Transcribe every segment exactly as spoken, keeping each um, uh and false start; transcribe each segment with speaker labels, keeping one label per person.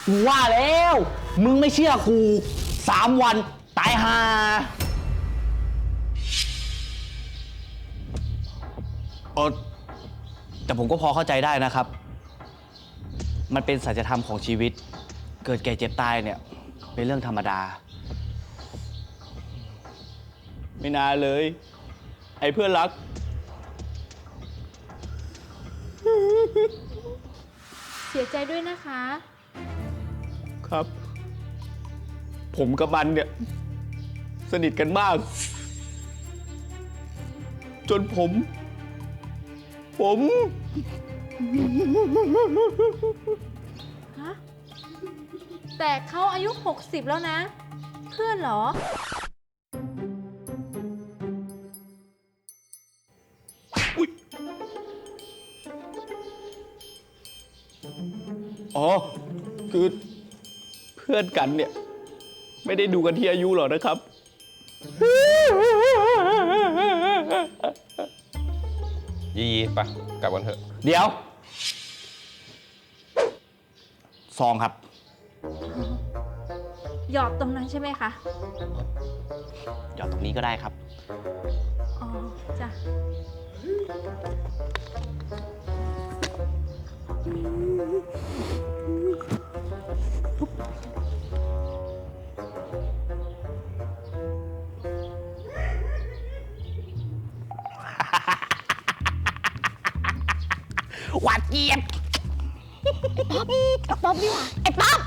Speaker 1: กูว่าแล้วมึงไม่เชื่อกูสามวันตายห่าเออแต่ผมก็พอเข้าใจได้นะครับมันเป็นสัจธรรมของชีวิตเกิดแก่เจ็บตายเนี่ยเป็นเรื่องธรรมดาไม่น่าเลยไอ้เพื่อนรัก
Speaker 2: เสียใจด้วยนะคะ
Speaker 1: ครับผมกับมันเนี่ยสนิทกันมากจนผม ผม
Speaker 2: ฮะ แต่เขาอายุหกสิบแล้วนะ เพื่อนเหรอ
Speaker 1: อ๋อคือเพื่อนกันเนี่ยไม่ได้ดูกันที่อายุหรอกนะครับ
Speaker 3: ยียีไปกลับกันเถอะ
Speaker 1: เดี๋ยวซองครับ
Speaker 2: หยอดตรงนั้นใช่ไหมคะ
Speaker 1: หยอดตรงนี้ก็ได้ครับ
Speaker 2: อ๋อ จ้ะ
Speaker 1: หวานเจี๊ยบ
Speaker 4: ไอ้ป๊อปดีกว่าไอ้ป๊อป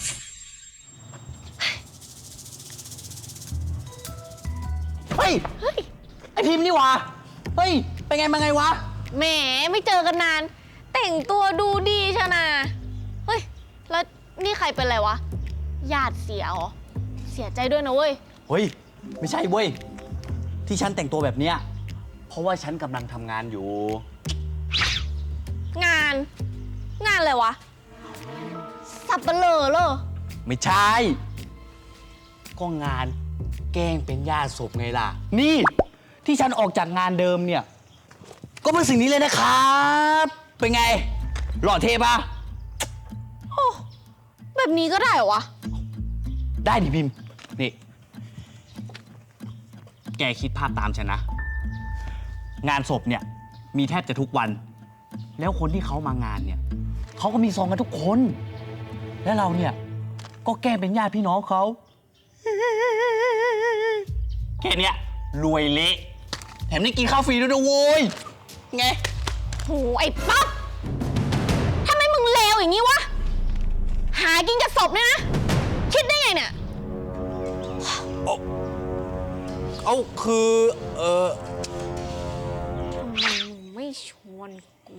Speaker 1: เฮ้ย ไอพิมพ์นี่หว่าเฮ้ย เป็นไงมาไงวะ
Speaker 4: แหมไม่เจอกันนาน แต่งตัวดูดีชะนะเฮ้ย แล้วนี่ใครเป็นอะไรวะ ญาติเสียเหรอ เสียใจด้วยนะเว้ย
Speaker 1: เฮ้ย ไม่ใช่เว้ย ที่ฉันแต่งตัวแบบเนี้ยเพราะว่าฉันกำลังทำงานอยู่
Speaker 4: งาน งานอะไรวะ สับเปลือเหรอ
Speaker 1: ไม่ใช่ ก็งานแกล้งเป็นญาติศพไงล่ะ นี่ที่ฉันออกจากงานเดิมเนี่ย ก็เป็นสิ่งนี้เลยนะครับ เป็นไง หล่อเท่ปะ
Speaker 4: โอ้แบบนี้ก็ได้เหรอวะ
Speaker 1: ได้ดิพิมพ์ นี่ แกคิดภาพตามฉันนะ งานศพเนี่ยมีแทบจะทุกวัน แล้วคนที่เขามางานเนี่ยเขาก็มีซองกันทุกคน แล้วเราเนี่ยก็แกล้งเป็นญาติพี่น้องเขาแค่เนี้ยรวยเละแถมได้กินข้าวฟรีด้วยนะโว้ยไง
Speaker 4: โห ไอ้ป๊อปทำไมมึงเลวอย่างนี้วะ หากินกับศพเนี่ยนะ คิดได้ไงเนี่ย
Speaker 1: เอาคือ เออ
Speaker 4: ทำไมมึงไม่ชวนกู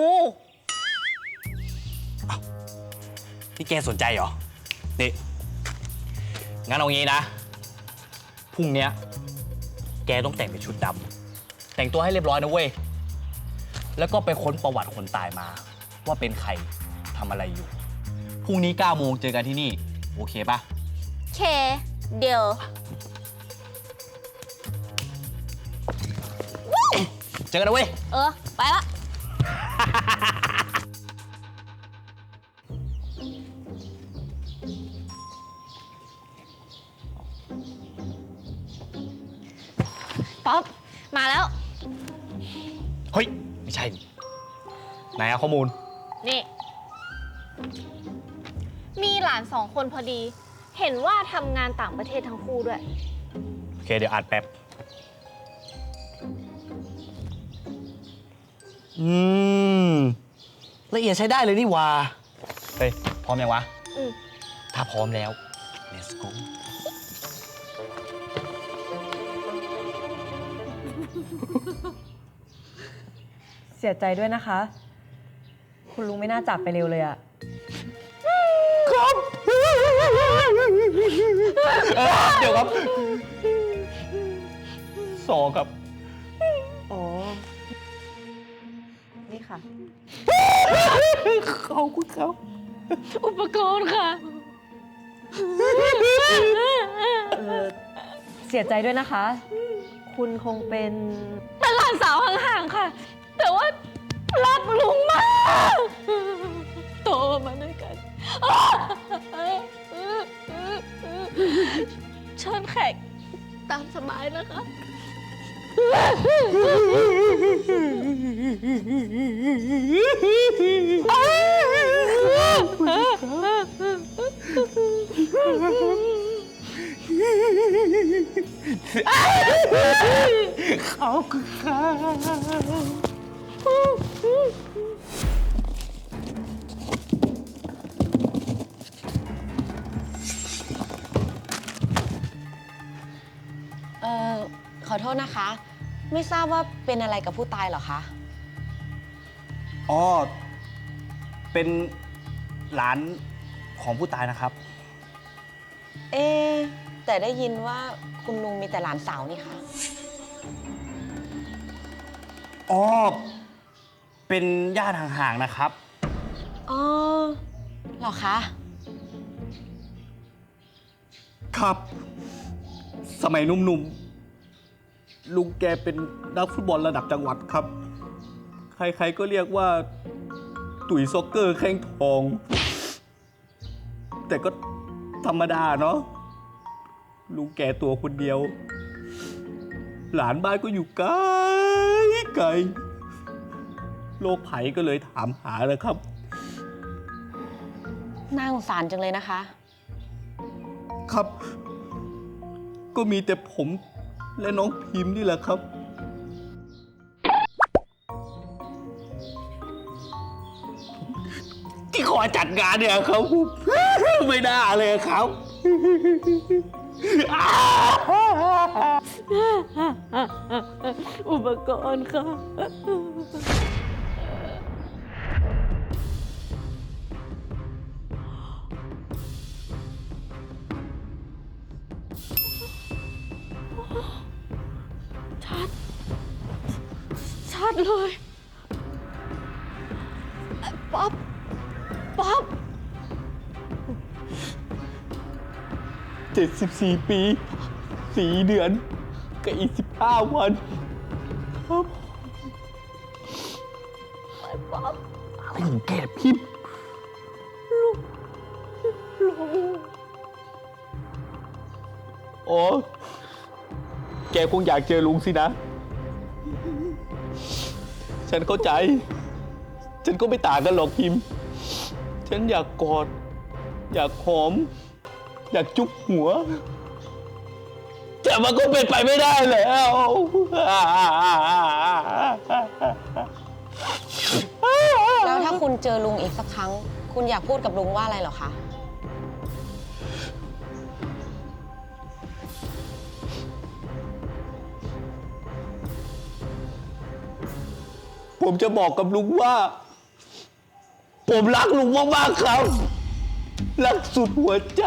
Speaker 1: นี่แกสนใจเหรอ นี่ งั้นเอางี้นะ พรุ่งเนี้ยแกต้องแต่งเป็นชุดดำ แต่งตัวให้เรียบร้อยนะเว้ย แล้วก็ไปค้นประวัติคนตายมา ว่าเป็นใครทำอะไรอยู่ พรุ่งนี้เก้าโมงเจอกันที่นี่ โอเคปะ
Speaker 4: เค เดี๋ยว
Speaker 1: เจอกันนะเว้ย
Speaker 4: เออ ไปละ ป๊อป มาแล้ว
Speaker 1: เฮ้ย ไม่ใช่ ไหนอะข้อมูล
Speaker 4: นี่ มีหลานสองคนพอดี เห็นว่าทำงานต่างประเทศทั้งคู่ด้วย
Speaker 1: โอเค เดี๋ยวอ่านแป๊บ อืม ละเอียดใช้ได้เลยนี่หว่า เฮ้ย พร้อมยังวะ
Speaker 4: อืม
Speaker 1: ถ้าพร้อมแล้ว let's go
Speaker 5: เสียใจด้วยนะคะ คุณลุงไม่น่าจากไปเร็วเลยอะ
Speaker 1: ครับเออเดี๋ยวครับสองครับ
Speaker 5: อ๋อ นี่ค่ะ
Speaker 1: ขอบคุณครับ
Speaker 4: อุปกรณ์ค่ะ
Speaker 5: เออ เสียใจด้วยนะคะ คุณคงเป็น
Speaker 4: เป็นหลานสาวห่างๆค่ะ แต่ว่ารักลุงมาก โตมาด้วยกันเชิญแขกตามสบายนะคะ
Speaker 1: เขาคือข้า
Speaker 6: เอ่อ ขอโทษนะคะ ไม่ทราบว่าเป็นอะไรกับผู้ตายเหรอคะ
Speaker 1: อ๋อ เป็นหลานของผู้ตายนะครับ
Speaker 6: เอ๊ะแต่ได้ยินว่าคุณลุงมีแต่หลานสาวนี่คะ
Speaker 1: อ๋อ เป็นญาติห่างๆนะครับ
Speaker 6: อ๋อเหรอคะ
Speaker 1: ครับ สมัยหนุ่มๆ ลุงแกเป็นนักฟุตบอลระดับจังหวัดครับ ใครๆก็เรียกว่าตุ๋ยซ็อกเกอร์แข้งทอง แต่ก็ธรรมดาเนาะ ลุงแกตัวคนเดียว หลานบ้านก็อยู่ไกลไกลโรคไผ่ก็เลยถามหานะครับ
Speaker 6: น่าสงสารจังเลยนะคะ
Speaker 1: ครับ ก็มีแต่ผมและน้องพิมพ์นี่แหละครับ ที่ขอจัดงานเนี่ยครับ ไม่น่าเลยครับ
Speaker 2: อุปกรณ์ค่ะ ชัด ชัดเลย ป๊อป ป๊อป
Speaker 1: เจ็ดสิบสี่ ปี สี่เดือนกับอีกสิบห้าวันครับ
Speaker 2: ป๊อป
Speaker 1: อะไรของแกพิมพ์
Speaker 2: ลุง
Speaker 1: อ๋อ แกคงอยากเจอลุงสินะ ฉันเข้าใจ ฉันก็ไม่ต่างกันหรอกพิมพ์ ฉันอยากกอด อยากหอม อยากจุ๊บหัว แต่มันก็เป็นไปไม่ได้แล้ว
Speaker 6: แล้วถ้าคุณเจอลุงอีกสักครั้ง คุณอยากพูดกับลุงว่าอะไรเหรอคะ
Speaker 1: ผมจะบอกกับลุงว่า ผมรักลุงมากๆครับ รักสุดหัวใจ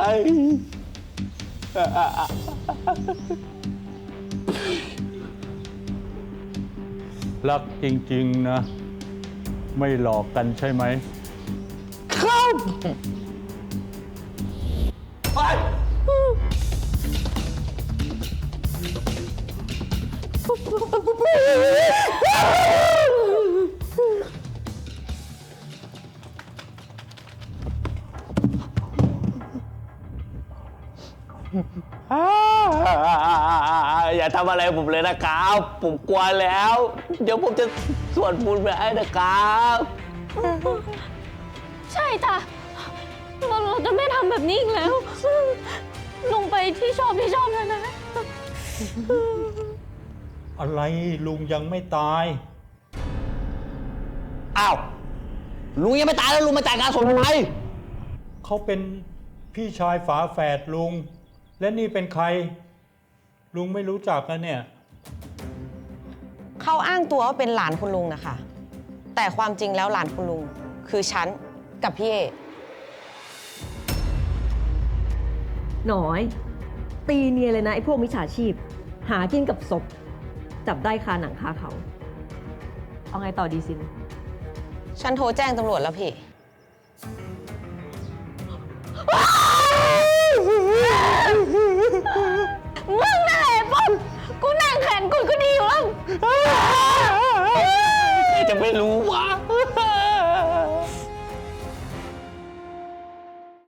Speaker 7: รักจริงๆนะ ไม่หลอกกันใช่ไหม
Speaker 1: ครับ ไป อย่าทำอะไรผมเลยนะครับ ผมกลัวแล้ว เดี๋ยวผมจะสวดมนต์ไปให้นะครับ
Speaker 4: ใช่จ้ะเราเราจะไม่ทำแบบนี้อีกแล้ว ลงไปที่ชอบที่ชอบแล้วนะ
Speaker 7: อะไรลุงยังไม่ตาย
Speaker 1: อ้าว ลุงยังไม่ตายแล้วลุงมาจ่ายงานศพทำไม
Speaker 7: เขาเป็นพี่ชายฝาแฝดลุง และนี่เป็นใคร ลุงไม่รู้จักนะเนี่ย
Speaker 6: เขาอ้างตัวว่าเป็นหลานคุณลุงนะคะ แต่ความจริงแล้วหลานคุณลุง คือฉันกับพี่เอ
Speaker 5: หน่อย ตีเนียนเลยนะไอ้พวกมิจฉาชีพ หากินกับศพ จับได้คาหนังคาเขา เอาไงต่อดีซิน
Speaker 6: ฉันโทรแจ้งตำรวจแล้วพี่
Speaker 4: มึงนั่นแหละป๊อปกูนั่งแขนกูก็ดีอยู่แล้ว
Speaker 1: ใครจะไม่รู้วะ